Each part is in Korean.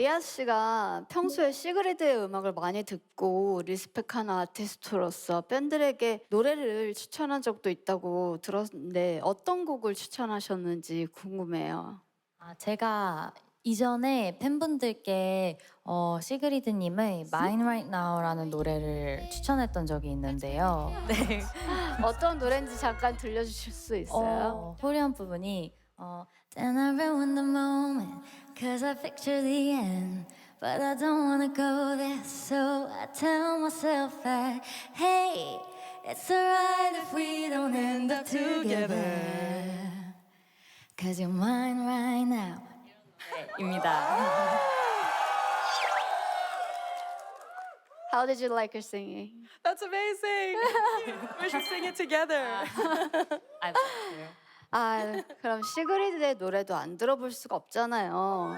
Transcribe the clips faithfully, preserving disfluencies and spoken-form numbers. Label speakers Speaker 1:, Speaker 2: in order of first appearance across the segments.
Speaker 1: 리아 씨가 평소에 시그리드의 음악을 많이 듣고 리스펙하는 아티스트로서 팬들에게 노래를 추천한 적도 있다고 들었는데 어떤 곡을 추천하셨는지 궁금해요.
Speaker 2: 아, 제가 이전에 팬분들께 어, 시그리드님의 Mine Right Now라는 노래를 추천했던 적이 있는데요. 네.
Speaker 1: 어떤 노래인지 잠깐 들려주실 수 있어요?
Speaker 2: 어, 후렴 부분이 어, Then I ruin the moment Cause I picture the end But I don't wanna go there So I tell myself that Hey, it's alright if we don't end up together Cause you're mine right now 네, 입니다.
Speaker 1: How did you like her singing?
Speaker 3: That's amazing. We should sing it together.
Speaker 2: I love you.
Speaker 1: 아, 그럼 시그리드의 노래도 안 들어볼 수가 없잖아요.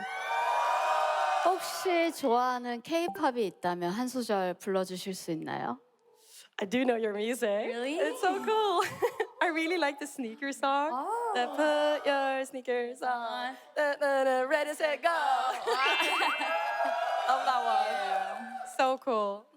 Speaker 1: 혹시 좋아하는 K-팝이 있다면 한 소절 불러주실 수 있나요?
Speaker 3: I do know your music.
Speaker 2: Really?
Speaker 3: It's so cool. I really like the sneaker song.
Speaker 2: Oh.
Speaker 3: The put your sneakers on. Da, da, da, ready, set, go. Love that one. So cool.